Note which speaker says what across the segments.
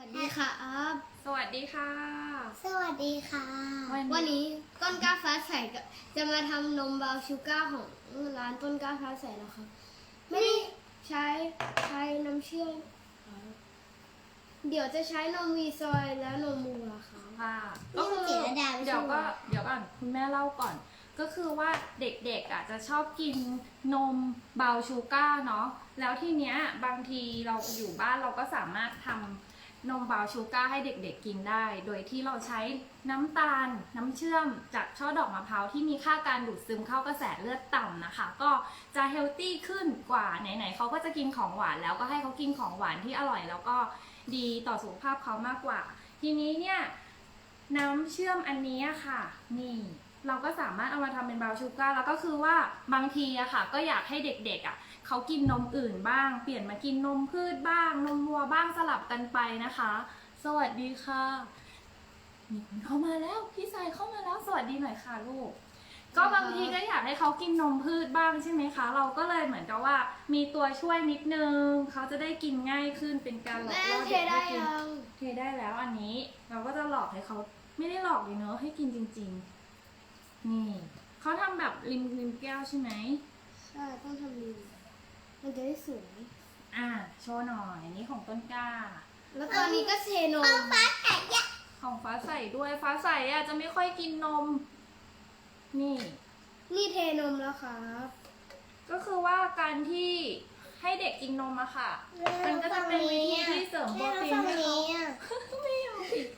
Speaker 1: วัสดีค่ะอัพ
Speaker 2: สวัสดีค่ะ
Speaker 3: สวัสดีค่ะ
Speaker 1: วันนี้ต้นกล้าฟ้าใสจะมาทำนมบราวน์ชูการ์ของร้านต้นกล้าฟ้าใสนะคะไม่ได้ใช้น้ำเชื่อมค่ะเดี๋ยวจะใช้นมวีซอยและนมมูลค่ะ
Speaker 2: ค่ะ
Speaker 3: นี่มันจิตรดาไม่ใช่
Speaker 2: เดี๋ยว
Speaker 3: เหร
Speaker 2: ก็
Speaker 3: อ
Speaker 2: เดี๋ยวก่อนคุณแม่เล่าก่อน ก็คือว่าเด็กๆจะชอบกินนมเบาชูการ์เนาะแล้วทีเนี้ยบางทีเราอยู่บ้านเราก็สามารถทำนมเบาชูการ์ให้เด็กๆกินได้ โดยที่เราใช้น้ำตาลน้ำเชื่อมจากช่อดอกมะพร้าวที่มีค่าการดูดซึมเข้ากระแสเลือดต่ำนะคะ ก็จะเฮลตี้ขึ้นกว่าไหนๆเขาก็จะกินของหวานแล้วก็ให้เขากินของหวานที่อร่อยแล้วก็ดีต่อสุขภาพเขามากกว่า ทีนี้เนี่ยน้ำเชื่อมอันนี้ค่ะนี่เราก็สามารถเอามาทำเป็นบราวน์ชูการ์แล้วก็คือว่าบางทีอะค่ะก็อยากให้เด็กๆเขากินนมอื่นบ้างเปลี่ยนมากินนมพืชบ้างนมวัวบ้างสลับกันไปนะคะ สวัสดีค่ะมีคนเข้ามาแล้วพี่สายเข้ามาแล้วสวัสดีหน่อยค่ะลูกก็บางทีก็อยากให้เขากินนมพืชบ้างใช่ไหมคะเราก็เลยเหมือนกับว่ามีตัวช่วยนิดนึงเขาจะได้กินง่ายขึ้นเป็นการหลอก
Speaker 1: แม่
Speaker 2: ล่อ
Speaker 1: เท
Speaker 2: เด็ก
Speaker 1: ได้
Speaker 2: ให้กิน
Speaker 1: ยัง
Speaker 2: เทได้แล้วอันนี้เราก็จะหลอกให้เขาไม่ได้หลอกเลยเนอะให้กินจริงๆนี่เขาทำแบบริมแก้วใช่ไหม
Speaker 1: ใช่ต้องทำดีมันจะได้สวย
Speaker 2: โชว์หน่อยอันนี้ของต้นกล้า
Speaker 1: แล้วตอนนี้ก็เทนม
Speaker 2: ของฟ้าใสด้วยฟ้าใสจะไม่ค่อยกินนมนี่
Speaker 1: นี่เทนมแล้วครับ
Speaker 2: ก็คือว่าการที่ให้เด็กกินนมอะค่ะ มันก็จะเป็นวิธีที่เสริมโปรตีนให้เขาไม่ยอมอีก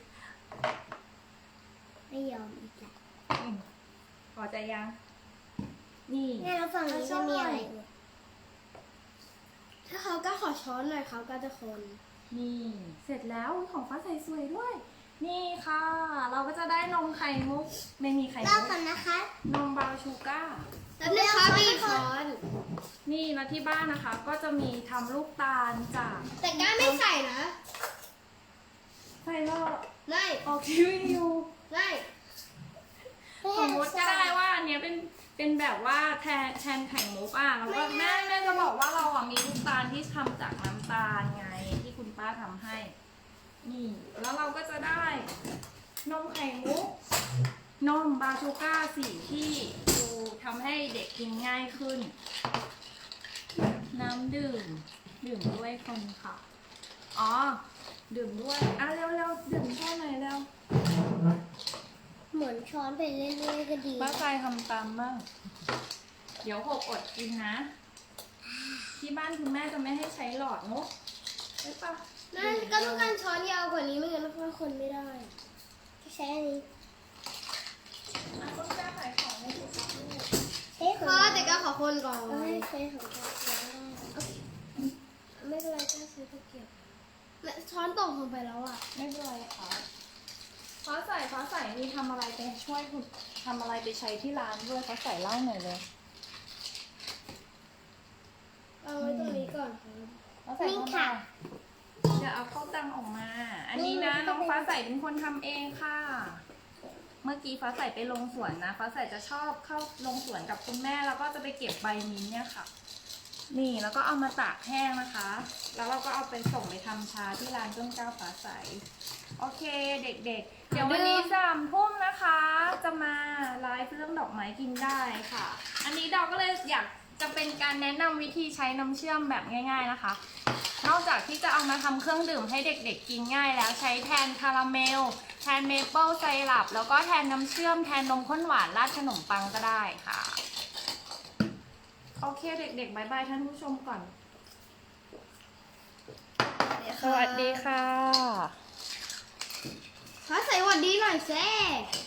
Speaker 3: ไม่ยอมอีกแล้ว
Speaker 2: พอใจยัง นี่
Speaker 3: แม่แล้วฝั่งนี้จะมีอะไรอีก
Speaker 1: ถ้าเขาก็ขอช้อนหน่อยเขาก็จะคน
Speaker 2: นี่เสร็จแล้วของฟ้าใสสวยด้วย นี่ค่ะ เราก็จะได้นมไข่มุกไม่มีไข่
Speaker 3: เล่า
Speaker 2: มุก
Speaker 3: กันนะคะ
Speaker 2: นมบราวน์ชูการ์
Speaker 1: แล้วนะคะมีช้อน
Speaker 2: นี่แล้วที่บ้านนะคะ ก็จะมีทำลูกตาลจาก
Speaker 1: แต่ก้าไม่ใส่นะ
Speaker 2: ไข่ลอก
Speaker 1: ไม่
Speaker 2: ออกทีวีอยู่
Speaker 1: ไม่
Speaker 2: สมมติก็ได้ว่าอันเนี้ยเป็นแบบว่าแทนไข่มุกแล้วก็แม่จะบอกว่าเรามีลูกตาลที่ทำจากน้ำตาลไงที่คุณป้าทำให้ นี่แล้วเราก็จะได้นมไข่มุกนมบราวน์ชูการ์สีที่ดูทำให้เด็กกินง่ายขึ้น น้ำดื่มด้วยคนค่ะอ๋อดื่มด้วยเร็วดื่มแค่ไหนอยเร็ว
Speaker 3: เหมือนช้อนไปเรื่อยๆก็ดี
Speaker 2: ป้าใจทำตามบ้าง เดี๋ยวหกอดกินนะ ที่บ้านคุณแม่จะไม่ให้ใช้หลอดมุกใช่ปะ
Speaker 1: นั่นก็ต้องการช้อนยาวกว่านี้ไม่งั้นเราคนไม่ได้
Speaker 3: จะใช้อันนี้
Speaker 2: ต้นกล้าขายของในสุด
Speaker 3: ใช้ข
Speaker 1: พ
Speaker 3: อง
Speaker 1: อแต่ก็ขอคนก่อน
Speaker 3: เอ้ยใช้ของเราได้
Speaker 1: ไม่เป็นไรก็ใช้ตะเกียบและช้อนตกลงไปแล้วอ่ะ
Speaker 2: ไม่เป็นไรค่ะฟ้าใสมีทำอะไรไปช่วยคุณทำอะไรไปใช้ที่ร้านด้วยฟ้าใสเล่าหน่อยเลย
Speaker 1: เอาไว้ตรงนี้ก่อนครับ
Speaker 2: ฟ้าใสทำอะไรจะเอาข้าวตังออกมา อันนี้นะน้องฟ้าใสเป็นคนทำเองค่ะ เมื่อกี้ฟ้าใสไปลงสวนนะฟ้าใสจะชอบเข้าลงสวนกับคุณแม่แล้วก็จะไปเก็บใบมิ้นท์เนี่ยค่ะ นี่แล้วก็เอามาตากแห้งนะคะ แล้วเราก็เอาไปส่งไปทำชาที่ร้านต้นกล้าฟ้าใสโอเคเด็กๆ เดี๋ยววันนี้3 ทุ่มนะคะ จะมาไลฟ์เรื่องดอกไม้กินได้ค่ะ อันนี้ดอกก็เลยอยากจะเป็นการแนะนำวิธีใช้น้ำเชื่อมแบบง่าย ๆนะคะ นอกจากที่จะเอามาทำเครื่องดื่มให้เด็กๆกินง่ายแล้วใช้แทนคาราเมลแทนเมเปิลไซรัปแล้วก็แทนน้ำเชื่อมแทนนมข้นหวานราดขนมปังก็ได้ค่ะโอเคเด็กๆบายบายท่านผู้ชมก่อนสวัสดีค่ะ
Speaker 1: ฟ้าใสหวัดดีหน่อยแซ่